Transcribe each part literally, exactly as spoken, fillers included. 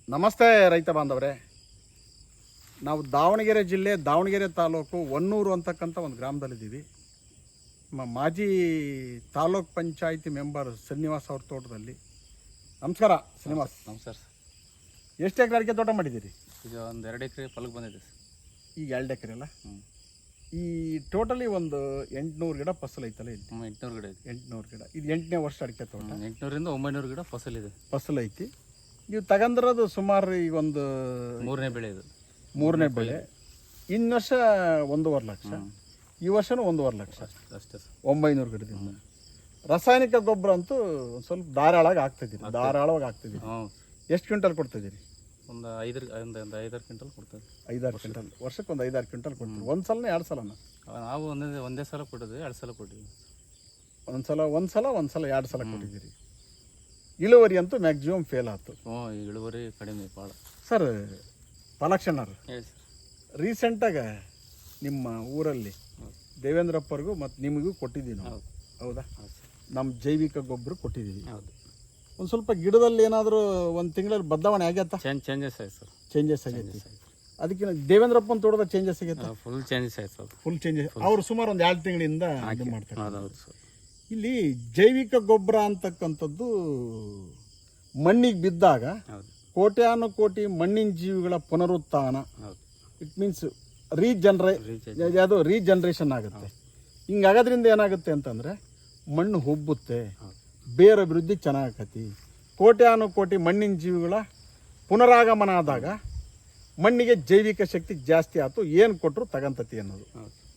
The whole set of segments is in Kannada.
ನಮಸ್ತೆ ರೈತ ಬಾಂಧವರೇ, ನಾವು ದಾವಣಗೆರೆ ಜಿಲ್ಲೆ ದಾವಣಗೆರೆ ತಾಲೂಕು ಹೊನ್ನೂರು ಅಂತಕ್ಕಂಥ ಒಂದು ಗ್ರಾಮದಲ್ಲಿದ್ದೀವಿ. ನಮ್ಮ ಮಾಜಿ ತಾಲೂಕ್ ಪಂಚಾಯಿತಿ ಮೆಂಬರ್ ಶ್ರೀನಿವಾಸ್ ಅವ್ರ ತೋಟದಲ್ಲಿ. ನಮಸ್ಕಾರ ಶ್ರೀನಿವಾಸ್. ನಮಸ್ಕಾರ ಸರ್. ಎಷ್ಟು ಎಕರೆ ಅಡಿಕೆ ತೋಟ ಮಾಡಿದ್ದೀರಿ? ಈಗ ಒಂದು ಎರಡು ಎಕರೆ ಫಲಕ್ಕೆ ಬಂದಿದೆ ಸರ್. ಈಗ ಎರಡು ಎಕರೆ ಅಲ್ಲ? ಹ್ಞೂ. ಈ ಟೋಟಲಿ ಒಂದು ಎಂಟುನೂರು ಗಿಡ ಫಸಲು ಐತಲ್ಲ ಇಲ್ಲಿ? ಹ್ಞೂ, ಎಂಟುನೂರು ಗಿಡ ಇದೆ. ಎಂಟುನೂರು ಗಿಡ. ಇದು ಎಂಟನೇ ವರ್ಷ ಅಡಿಕೆ ತೋಟ. ಎಂಟುನೂರಿಂದ ಒಂಬೈನೂರು ಗಿಡ ಫಸಲಿದೆ, ಫಸಲು ಐತಿ. ನೀವು ತಗೊಂಡಿರೋದು ಸುಮಾರು ಈಗ ಒಂದು ಮೂರನೇ ಬೆಳೆ ಇದು. ಮೂರನೇ ಬೆಳೆ. ಇನ್ನು ವರ್ಷ ಒಂದೂವರೆ ಲಕ್ಷ, ಈ ವರ್ಷನೂ ಒಂದೂವರೆ ಲಕ್ಷ ಅಷ್ಟೇ ಸರ್. ಒಂಬೈನೂರು ಗಿಡದಿಂದ. ರಾಸಾಯನಿಕ ಗೊಬ್ಬರ ಅಂತೂ ಒಂದು ಸ್ವಲ್ಪ ಧಾರಾಳವಾಗಿ ಆಗ್ತಿದ್ದೀರಿ, ಧಾರಾಳವಾಗಿ ಆಗ್ತಿದ್ದೀರಿ. ಹ್ಞೂ. ಎಷ್ಟು ಕ್ವಿಂಟಲ್ ಕೊಡ್ತಿದ್ದೀರಿ? ಒಂದು ಐದರ ಒಂದು ಒಂದು ಐದಾರು ಕ್ವಿಂಟಲ್ ಕೊಡ್ತೇವೆ. ಐದಾರು ಕ್ವಿಂಟಲ್ ವರ್ಷಕ್ಕೆ ಒಂದು ಐದಾರು ಕ್ವಿಂಟಲ್ ಕೊಡ್ತೀವಿ. ಒಂದು ಸಲನೇ ಎರಡು ಸಲನ? ನಾವು ಒಂದೇ ಒಂದೇ ಸಲ ಕೊಟ್ಟಿದ್ವಿ, ಎರಡು ಸಲ ಕೊಟ್ಟಿದ್ವಿ. ಒಂದು ಸಲ ಒಂದು ಸಲ ಒಂದು ಸಲ ಎರಡು ಸಲ ಕೊಟ್ಟಿದ್ದೀರಿ. ಇಳುವರಿ ಅಂತೂ ಮ್ಯಾಕ್ಸಿಮಮ್ ಫೇಲ್ ಆಯ್ತು. ಹ್ಞೂ, ಇಳುವರಿ ಕಡಿಮೆ ಭಾಳ. ಸರ್ ಪಾಲಕ್ಷಣ್ಣರು, ಹೇಳಿ ಸರ್. ರೀಸೆಂಟಾಗ ನಿಮ್ಮ ಊರಲ್ಲಿ ದೇವೇಂದ್ರಪ್ಪರಿಗೂ ಮತ್ತು ನಿಮಗೂ ಕೊಟ್ಟಿದ್ದೀವಿ ನಾವು. ಹೌದು. ಹೌದಾ? ಹೌದು ಸರ್. ನಮ್ಮ ಜೈವಿಕ ಗೊಬ್ಬರ ಕೊಟ್ಟಿದ್ದೀವಿ. ಹೌದು. ಒಂದು ಸ್ವಲ್ಪ ಗಿಡದಲ್ಲಿ ಏನಾದರೂ ಒಂದು ತಿಂಗಳಲ್ಲಿ ಬದಲಾವಣೆ ಆಗ್ಯತ್ತ? ಚೇಂಜ್ ಚೇಂಜಸ್ ಆಯ್ತು ಸರ್. ಚೇಂಜಸ್ ಆಗೈತಿ. ಅದಕ್ಕೆ ದೇವೇಂದ್ರಪ್ಪನ ತೋಟದ ಚೇಂಜಸ್ ಆಗೈತೆ? ಫುಲ್ ಚೇಂಜಸ್ ಆಯ್ತು ಸರ್. Full changes. ಅವರು ಸುಮಾರು ಒಂದು ಎರಡು ತಿಂಗಳಿಂದ ಇದು ಮಾಡ್ತಾರೆ. ಹೌದು ಸರ್. ಇಲ್ಲಿ ಜೈವಿಕ ಗೊಬ್ಬರ ಅಂತಕ್ಕಂಥದ್ದು ಮಣ್ಣಿಗೆ ಬಿದ್ದಾಗ ಹೌದು, ಕೋಟ್ಯಾನು ಕೋಟಿ ಮಣ್ಣಿನ ಜೀವಿಗಳ ಪುನರುತ್ಥಾನ, ಹೌದು, ಇಟ್ ಮೀನ್ಸ್ ರೀಜನ್ರೇ ಅದು ರೀಜನ್ರೇಷನ್ ಆಗುತ್ತೆ. ಹಿಂಗಾಗೋದ್ರಿಂದ ಏನಾಗುತ್ತೆ ಅಂತಂದರೆ ಮಣ್ಣು ಹುಬ್ಬುತ್ತೆ, ಬೇರೆ ಅಭಿವೃದ್ಧಿ ಚೆನ್ನಾಗತಿ. ಕೋಟ್ಯಾನು ಕೋಟಿ ಮಣ್ಣಿನ ಜೀವಿಗಳ ಪುನರಾಗಮನ ಆದಾಗ ಮಣ್ಣಿಗೆ ಜೈವಿಕ ಶಕ್ತಿ ಜಾಸ್ತಿ ಆಯ್ತು, ಏನು ಕೊಟ್ಟರು ತಗಂತತಿ ಅನ್ನೋದು.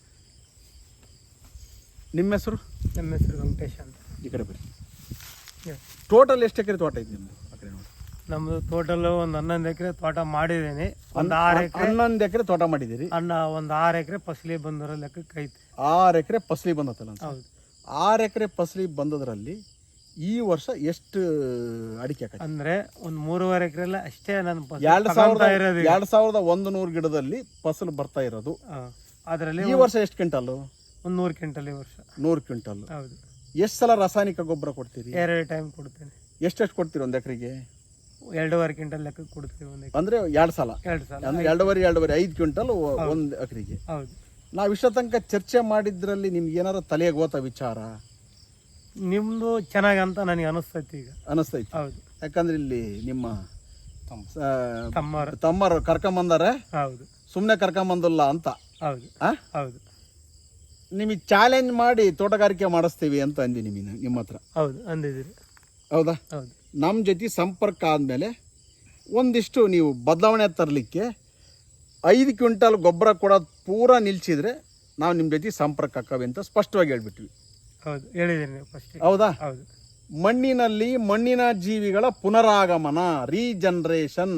ನಿಮ್ಮ ಹೆಸರು? ನಮ್ಮ ಹೆಸರು ವೆಂಕಟೇಶ್ ಅಂತ. ಈ ಕಡೆ ಬನ್ನಿ. ಟೋಟಲ್ ಎಷ್ಟು ಎಕರೆ ತೋಟ ಇದೆ ನಿಮ್ಮದು? ಆ ಕಡೆ ನೋಡಿ. ನಮ್ಮದು ಟೋಟಲ್ ಒಂದು ಹನ್ನೊಂದು ಎಕರೆ ತೋಟ ಮಾಡಿದ್ದೀನಿ. ಒಂದು ಆರು ಎಕರೆ ಹನ್ನೊಂದು ಎಕರೆ ತೋಟ ಮಾಡಿದ್ದೀರಿ. ಅನ್ನ ಒಂದು ಆರು ಎಕರೆ ಫಸಲಿ ಬಂದಿರೋ ಲೆಕ್ಕಕ್ಕೆ ಐತಿ. ಆರು ಎಕರೆ ಫಸಲಿ ಬಂದತ್ತಲ್ಲ? ಹೌದು. ಆರು ಎಕರೆ ಫಸಲಿ ಬಂದದ್ರಲ್ಲಿ ಈ ವರ್ಷ ಎಷ್ಟು ಅಡಿಕೆ ಹಾಕಿ? ಅಂದ್ರೆ ಒಂದು ಮೂರುವರೆ ಎಕರೆ ಎಲ್ಲ ಅಷ್ಟೇ ನನ್ನ ಎರಡು ಸಾವಿರದ ಎರಡು ಸಾವಿರದ ಒಂದು ನೂರು ಗಿಡದಲ್ಲಿ ಫಸಲು ಬರ್ತಾ ಇರೋದು. ಅದರಲ್ಲಿ ಈ ವರ್ಷ ಎಷ್ಟು ಕ್ವಿಂಟಲ್? ಒಂದು ನೂರು ಕ್ವಿಂಟಲ್ ಈ ವರ್ಷ. ನೂರು ಕ್ವಿಂಟಲ್. ಹೌದು. ಎಷ್ಟು ಸಲ ರಾಸಾಯನಿಕ ಗೊಬ್ಬರ ಕೊಡ್ತೀರಿ? ಎರಡು ಟೈಮ್ ಕೊಡ್ತೇನೆ. ಎಷ್ಟೆಷ್ಟು ಕೊಡ್ತೀರಿ ಒಂದು ಎಕರೆಗೆ? ಎರಡೂವರೆ ಕ್ವಿಂಟಲ್ ಲೆಕ್ಕಕ್ಕೆ ಕೊಡ್ತೀವಿ ಒಂದು ಎಕರೆ. ಅಂದ್ರೆ ಎರಡು ಸಲ ಎರಡು ಸಲ ಅಂದ್ರೆ ಎರಡೂವರೆ ಎರಡೂವರೆ ಐದು ಕ್ವಿಂಟಲ್ ಒಂದು ಎಕರೆಗೆ. ಹೌದು. ನಾವು ಇಷ್ಟ ತನಕ ಚರ್ಚೆ ಮಾಡಿದ್ರಲ್ಲಿ ನಿಮ್ಗೆ ಏನಾರ ತಲೆಗೆ ಹೋತ ವಿಚಾರ? ನಿಮ್ದು ಚೆನ್ನಾಗಿ ಅಂತ ನನಗೆ ಅನಿಸ್ತೈತಿ ಈಗ. ಅನಿಸ್ತೈತಿ? ಹೌದು. ಯಾಕಂದ್ರೆ ಇಲ್ಲಿ ನಿಮ್ಮ ತಮ್ಮರು ತಮ್ಮರು ಕರ್ಕೊಂಬಂದಾರೆ, ಹೌದು, ಸುಮ್ಮನೆ ಕರ್ಕೊಂಬಂದಿಲ್ಲ ಅಂತ. ಹೌದು. ಹೌದು. ನಿಮಗೆ ಚಾಲೆಂಜ್ ಮಾಡಿ ತೋಟಗಾರಿಕೆ ಮಾಡಿಸ್ತೀವಿ ಅಂತ ಅಂದಿ ನಿಮಗೆ ನಿಮ್ಮ ಹತ್ರ. ಹೌದು, ಅಂದಿದ್ದೀರಿ. ಹೌದಾ? ಹೌದು. ನಮ್ಮ ಜೊತೆ ಸಂಪರ್ಕ ಆದಮೇಲೆ ಒಂದಿಷ್ಟು ನೀವು ಬದಲಾವಣೆ ತರಲಿಕ್ಕೆ ಐದು ಕ್ವಿಂಟಲ್ ಗೊಬ್ಬರ ಕೊಡೋದು ಪೂರಾ ನಿಲ್ಸಿದ್ರೆ ನಾವು ನಿಮ್ಮ ಜೊತೆ ಸಂಪರ್ಕ ಹಾಕವೆ ಅಂತ ಸ್ಪಷ್ಟವಾಗಿ ಹೇಳ್ಬಿಟ್ವಿ. ಹೌದು, ಹೇಳಿದ್ದೀರಿ ನೀವು ಫಸ್ಟ್. ಹೌದಾ? ಹೌದು. ಮಣ್ಣಿನಲ್ಲಿ ಮಣ್ಣಿನ ಜೀವಿಗಳ ಪುನರಾಗಮನ, ರೀಜನ್ರೇಷನ್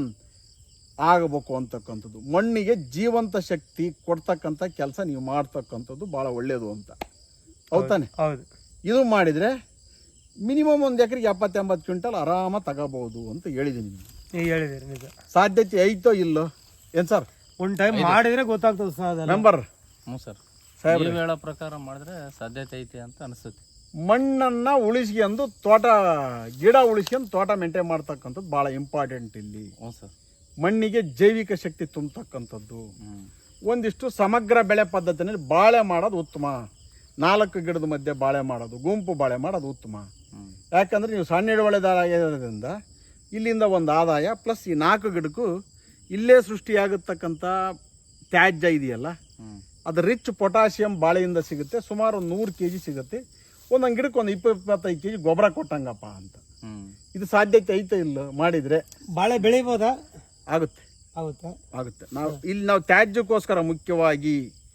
ಆಗಬೇಕು ಅಂತಕ್ಕಂಥದ್ದು, ಮಣ್ಣಿಗೆ ಜೀವಂತ ಶಕ್ತಿ ಕೊಡ್ತಕ್ಕಂಥ ಕೆಲಸ ನೀವು ಮಾಡ್ತಕ್ಕಂಥದ್ದು ಭಾಳ ಒಳ್ಳೆಯದು ಅಂತ. ಹೌದಾನೆ? ಹೌದು. ಇದು ಮಾಡಿದರೆ ಮಿನಿಮಮ್ ಒಂದು ಎಕರೆಗೆ ಎಪ್ಪತ್ತು ಎಂಬತ್ತು ಕ್ವಿಂಟಲ್ ಆರಾಮ ತಗೋಬಹುದು ಅಂತ ಹೇಳಿದ್ದೀನಿ. ನೀವು ಹೇಳಿದಿರಿ ನಿಜ. ಸಾಧ್ಯತೆ ಐತೋ ಇಲ್ಲೋ ಏನು ಸರ್? ಒಂದು ಟೈಮ್ ಮಾಡಿದ್ರೆ ಗೊತ್ತಾಗ್ತದೆ ಸರ್. ಮೆಂಬರ್. ಹ್ಞೂ ಸರ್. ಸಾಹೇಬ್ ನೀವು ಹೇಳೋ ಪ್ರಕಾರ ಮಾಡಿದ್ರೆ ಸಾಧ್ಯತೆ ಐತಿ ಅಂತ ಅನಿಸುತ್ತೆ. ಮಣ್ಣನ್ನು ಉಳಿಸ್ಕೊಂಡು ತೋಟ, ಗಿಡ ಉಳಿಸ್ಕೊಂಡು ತೋಟ ಮೇಂಟೈನ್ ಮಾಡ್ತಕ್ಕಂಥದ್ದು ಭಾಳ ಇಂಪಾರ್ಟೆಂಟ್ ಇಲ್ಲಿ. ಹ್ಞೂ ಸರ್. ಮಣ್ಣಿಗೆ ಜೈವಿಕ ಶಕ್ತಿ ತುಂಬತಕ್ಕಂಥದ್ದು. ಒಂದಿಷ್ಟು ಸಮಗ್ರ ಬೆಳೆ ಪದ್ಧತಿನಲ್ಲಿ ಬಾಳೆ ಮಾಡೋದು ಉತ್ತಮ. ನಾಲ್ಕು ಗಿಡದ ಮಧ್ಯೆ ಬಾಳೆ ಮಾಡೋದು, ಗುಂಪು ಬಾಳೆ ಮಾಡೋದು ಉತ್ತಮ. ಯಾಕಂದರೆ ನೀವು ಸಣ್ಣ ಹಿಡುವಳಿದಾರದಿಂದ ಇಲ್ಲಿಂದ ಒಂದು ಆದಾಯ, ಪ್ಲಸ್ ಈ ನಾಲ್ಕು ಗಿಡಕ್ಕೂ ಇಲ್ಲೇ ಸೃಷ್ಟಿಯಾಗತಕ್ಕಂಥ ತ್ಯಾಜ್ಯ ಇದೆಯಲ್ಲ, ಅದು ರಿಚ್ ಪೊಟ್ಯಾಷಿಯಂ ಬಾಳೆಯಿಂದ ಸಿಗುತ್ತೆ. ಸುಮಾರು ಒಂದು ನೂರು ಕೆ ಜಿ ಸಿಗುತ್ತೆ. ಒಂದೊಂದು ಗಿಡಕ್ಕೆ ಒಂದು ಇಪ್ಪತ್ತು ಇಪ್ಪತ್ತೈದು ಕೆ ಜಿ ಗೊಬ್ಬರ ಕೊಟ್ಟಂಗಪ್ಪ ಅಂತ. ಇದು ಸಾಧ್ಯತೆ ಐತೆ ಇಲ್ಲ ಮಾಡಿದರೆ? ಬಾಳೆ ಬೆಳಿಬೋದಾ? ಆಗುತ್ತೆ. ಆಗುತ್ತೆ. ಆಗುತ್ತೆ. ನಾವು ಇಲ್ಲಿ ನಾವು ತ್ಯಾಜ್ಯಕ್ಕೋಸ್ಕರ ಮುಖ್ಯವಾಗಿ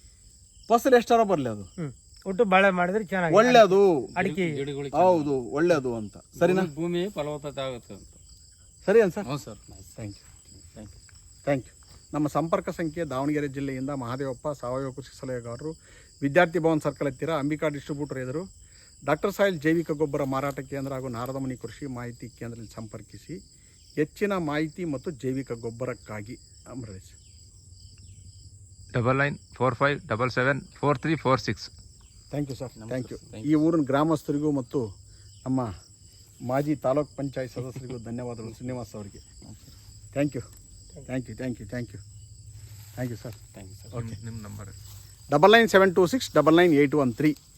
ಫಸಲು ಎಷ್ಟಾರ ಬರಲಿ ಅದು ಒಟ್ಟು ಬಾಳೆ ಮಾಡಿದ್ರೆ ಚೆನ್ನಾಗಿ ಒಳ್ಳೆಯದು. ಅಡಿಕೆ ಹೌದು, ಒಳ್ಳೆಯದು ಅಂತ. ಸರಿನಾ? ಭೂಮಿ ಫಲವತ್ತತೆ ಆಗುತ್ತೆ ಅಂತ. ಸರಿ ಅನ್ ಸರ್? ಹ್ಞೂ sir. Thank you. Thank you. Thank you. ನಮ್ಮ ಸಂಪರ್ಕ ಸಂಖ್ಯೆ ದಾವಣಗೆರೆ ಜಿಲ್ಲೆಯಿಂದ ಮಹಾದೇವಪ್ಪ, ಸಾವಯವ ಕೃಷಿ ಸಲಹೆಗಾರರು, ವಿದ್ಯಾರ್ಥಿ ಭವನ್ ಸರ್ಕಲ್ ಹತ್ತಿರ, ಅಂಬಿಕಾ ಡಿಸ್ಟ್ರಿಬ್ಯೂಟರ್ ಎದುರು, ಡಾಕ್ಟರ್ ಸಾಯಿಲ್ ಜೈವಿಕ ಗೊಬ್ಬರ ಮಾರಾಟ ಕೇಂದ್ರ ಹಾಗೂ ನಾರದಮುನಿ ಕೃಷಿ ಮಾಹಿತಿ ಕೇಂದ್ರದಲ್ಲಿ ಸಂಪರ್ಕಿಸಿ ಹೆಚ್ಚಿನ ಮಾಹಿತಿ ಮತ್ತು ಜೈವಿಕ ಗೊಬ್ಬರಕ್ಕಾಗಿ. Amaresh. Double nine four five double seven four three four six. Thank you sir. Thank you. ಈ ಊರಿನ ಗ್ರಾಮಸ್ಥರಿಗೂ ಮತ್ತು ನಮ್ಮ ಮಾಜಿ ತಾಲೂಕ್ ಪಂಚಾಯತ್ ಸದಸ್ಯರಿಗೂ ಧನ್ಯವಾದಗಳು ಶ್ರೀನಿವಾಸ್ ಅವರಿಗೆ. Thank you thank you thank you thank you thank you sir. Thank you sir. Okay, ನಿಮ್ಮ number double nine seven two six double nine eight one three